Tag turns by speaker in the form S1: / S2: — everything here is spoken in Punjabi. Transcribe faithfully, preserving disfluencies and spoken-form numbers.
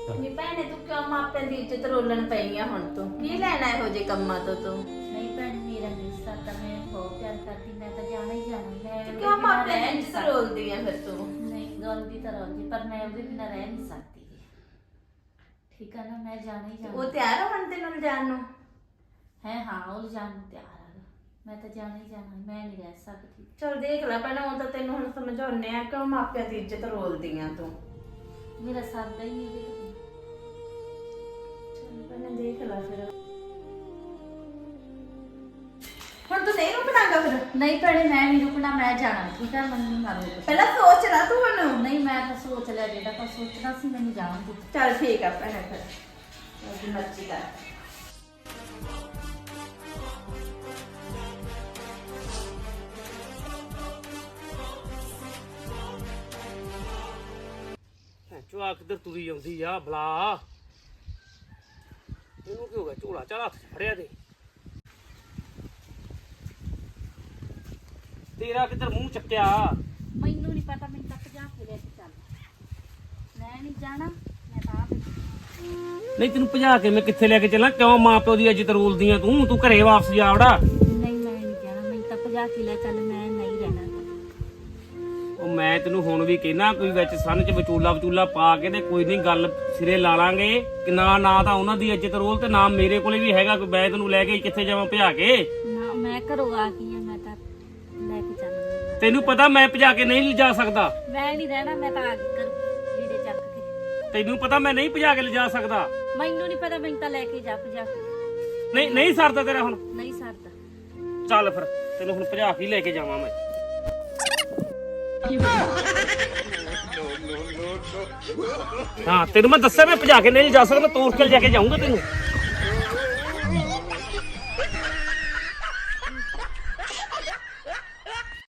S1: ਨੀ ਭੈਣੇ ਤੂੰ ਕਿਉਂ ਮਾਪਿਆਂ ਦੀ ਇੱਜ਼ਤ ਰੋਲਣ ਪਈ ਆ ਹੁਣ ਤੂੰ ਕੀ ਲੈਣਾ ਇਹੋ ਜਿਹੇ ਕੰਮਾਂ ਤੋਂ ਤੂੰ
S2: ਨਹੀਂ ਭੈਣ ਮੇਰਾ ਰਿਸ਼ਤਾ ਤਾਂ ਮੈਂ ਬਹੁਤ ਪਿਆਰ ਕਰਦੀ ਮੈਂ ਤਾਂ ਜਾਣਾ ਹੀ ਜਾਣਾ ਮੈਂ
S1: ਤੂੰ ਕਿਉਂ ਮਾਪਿਆਂ ਦੀ ਇੱਜ਼ਤ ਰੋਲਦੀ ਆ ਫਿਰ ਤੂੰ
S2: ਨਹੀਂ ਗੱਲ ਦੀ ਤਾਂ ਰੋਲਦੀ ਪਰ ਮੈਂ ਉਹਦੇ ਬਿਨਾਂ ਰਹਿ ਨਹੀਂ ਸਕਦੀ ਠੀਕ ਆ ਨਾ ਮੈਂ ਜਾਣਾ ਹੀ ਜਾਣਾ
S1: ਉਹ ਤਿਆਰ ਹੋ ਹੁਣ ਤੈਨੂੰ ਜਾਣ ਨੂੰ
S2: ਹੈ ਹਾਂ ਉਹ ਜਾਣ ਨੂੰ ਤਿਆਰ ਆ ਮੈਂ ਤਾਂ ਜਾਣਾ ਹੀ ਜਾਣਾ ਮੈਂ ਨਹੀਂ ਰਹਿ ਸਕਦੀ
S1: ਚਲ ਦੇਖ ਲੈ ਪਹਿਲਾਂ ਉਹ ਤਾਂ ਤੈਨੂੰ ਹੁਣ ਸਮਝਾਉਣੇ ਆ ਕਿਉਂ ਮਾਪਿਆਂ ਦੀ ਇੱਜ਼ਤ ਰੋਲਦੀ ਆ ਤੂੰ
S2: ਮੇਰਾ ਸਰਦਾ ਹੀ ਨਹੀਂ ਉਹਦੇ
S1: ਚਲ ਪਹਿਲਾਂ ਦੇਖ ਲੈ ਫਿਰ ਹੁਣ ਤੂੰ ਨਹੀਂ ਰੁਕਣਾਗਾ ਫਿਰ
S2: ਨਹੀਂ ਭੈਣੇ ਮੈਂ ਨਹੀਂ ਰੁਕਣਾ ਮੈਂ ਜਾਣਾ ਠੀਕ ਆ ਮੈਨੂੰ ਨਾ ਰੋਕ
S1: ਪਹਿਲਾਂ ਸੋਚ ਲੈ ਤੂੰ ਹੁਣ
S2: ਨਹੀਂ ਮੈਂ ਤਾਂ ਸੋਚ ਲਿਆ ਜਿਹੜਾ ਪਰ ਸੋਚਣਾ ਸੀ ਮੈਨੂੰ ਜਾਣ ਦੇ
S1: ਚਲ ਠੀਕ ਆ ਭੈਣੇ ਫਿਰ ਉਹਦੀ ਮਰਜ਼ੀ ਕਰ
S3: ਚੁਆ ਕਿੱਧਰ ਤੁਰੀ ਆਉਂਦੀ ਆ ਬਲਾ ਇਹਨੂੰ ਕੀ ਹੋ ਗਿਆ ਝੋਲਾ ਚਾਲਾ ਹੱਥ 'ਚ ਫੜਿਆ ਤੇ ਤੇਰਾ ਕਿੱਧਰ ਮੂੰਹ ਚੱਕਿਆ
S2: ਮੈਨੂੰ ਨਹੀਂ ਪਤਾ ਮੈਨੂੰ ਤੱਕ ਜਾ ਕੇ ਲੈ ਕੇ ਚੱਲ ਮੈਂ ਨਹੀਂ ਜਾਣਾ ਮੈਂ ਤਾਂ ਆਪ
S3: ਨਹੀਂ ਤੈਨੂੰ ਭਜਾ ਕੇ ਮੈਂ ਕਿੱਥੇ ਲੈ ਕੇ ਚੱਲਾਂ ਕਿਉਂ ਮਾਂ ਪਿਓ ਦੀ ਇੱਜ਼ਤ ਰੋਲਦੀ ਆ ਤੂੰ ਤੂੰ ਘਰੇ ਵਾਪਸ ਜਾ ਵੜਾ
S2: ਨਹੀਂ ਮੈਂ ਨਹੀਂ ਜਾਣਾ ਮੈਨੂੰ ਤਾਂ ਭਜਾ ਕੇ ਲੈ ਚੱਲ ਮੈਂ ਨਹੀਂ ਰਹਿਣਾ
S3: ਉਹ ਮੈਂ ਤੈਨੂੰ ਹੁਣ ਵੀ ਕਹਿਣਾ ਕੋਈ ਵਿੱਚ ਸੰਨ 'ਚ ਵਿਚੋਲਾ ਵਿਚੂਲਾ ਪਾ ਕੇ ਤੇ ਕੋਈ ਨਹੀਂ ਗੱਲ ਸਿਰੇ ਲਾ ਲਾਂਗੇ ਕਿ ਨਾ ਨਾ ਤਾਂ ਉਹਨਾਂ ਦੀ ਇੱਜ਼ਤ ਰੋਲ ਤੇ ਨਾ ਮੇਰੇ ਕੋਲੇ ਵੀ ਹੈਗਾ ਕੋਈ ਮੈਂ ਤੈਨੂੰ ਲੈ ਕੇ ਕਿੱਥੇ ਜਾਵਾਂ ਭਜਾ ਕੇ
S2: ਨਾ ਮੈਂ ਘਰੋਂ ਆ ਗਈ ਆ ਮੈਂ ਤਾਂ ਲੈ ਕੇ ਚੱਲ
S3: ਤੈਨੂੰ ਪਤਾ ਮੈਂ ਭਜਾ ਕੇ ਨਹੀਂ ਲਿਜਾ ਸਕਦਾ
S2: ਮੈਂ ਨਹੀਂ ਰਹਿਣਾ ਮੈਂ ਤਾਂ ਆ ਗਈ ਕਰ ਲੀੜੇ ਚੱਕ ਕੇ
S3: ਤੈਨੂੰ ਪਤਾ ਮੈਂ ਨਹੀਂ ਭਜਾ ਕੇ ਲਿਜਾ ਸਕਦਾ
S2: ਮੈਨੂੰ ਨਹੀਂ ਪਤਾ ਮੈਨੂੰ ਤਾਂ ਲੈ ਕੇ ਜਾ ਭਜਾ ਕੇ
S3: ਨਹੀਂ ਨਹੀਂ ਸਰਦਾ ਤੇਰਾ ਹੁਣ
S2: ਨਹੀਂ ਸਰਦਾ
S3: ਚੱਲ ਫਿਰ ਤੈਨੂੰ ਹੁਣ ਭਜਾ ਕੇ ਲੈ ਕੇ ਜਾਵਾਂ ਮੈਂ ਹਾਂ ਤੈਨੂੰ ਮੈਂ ਦੱਸਿਆ ਮੈਂ ਭਜਾ ਕੇ ਨਹੀਂ ਜਾ ਸਕਦਾ ਤੋੜ ਕੇ ਲੈ ਕੇ ਜਾਊਂਗਾ ਤੈਨੂੰ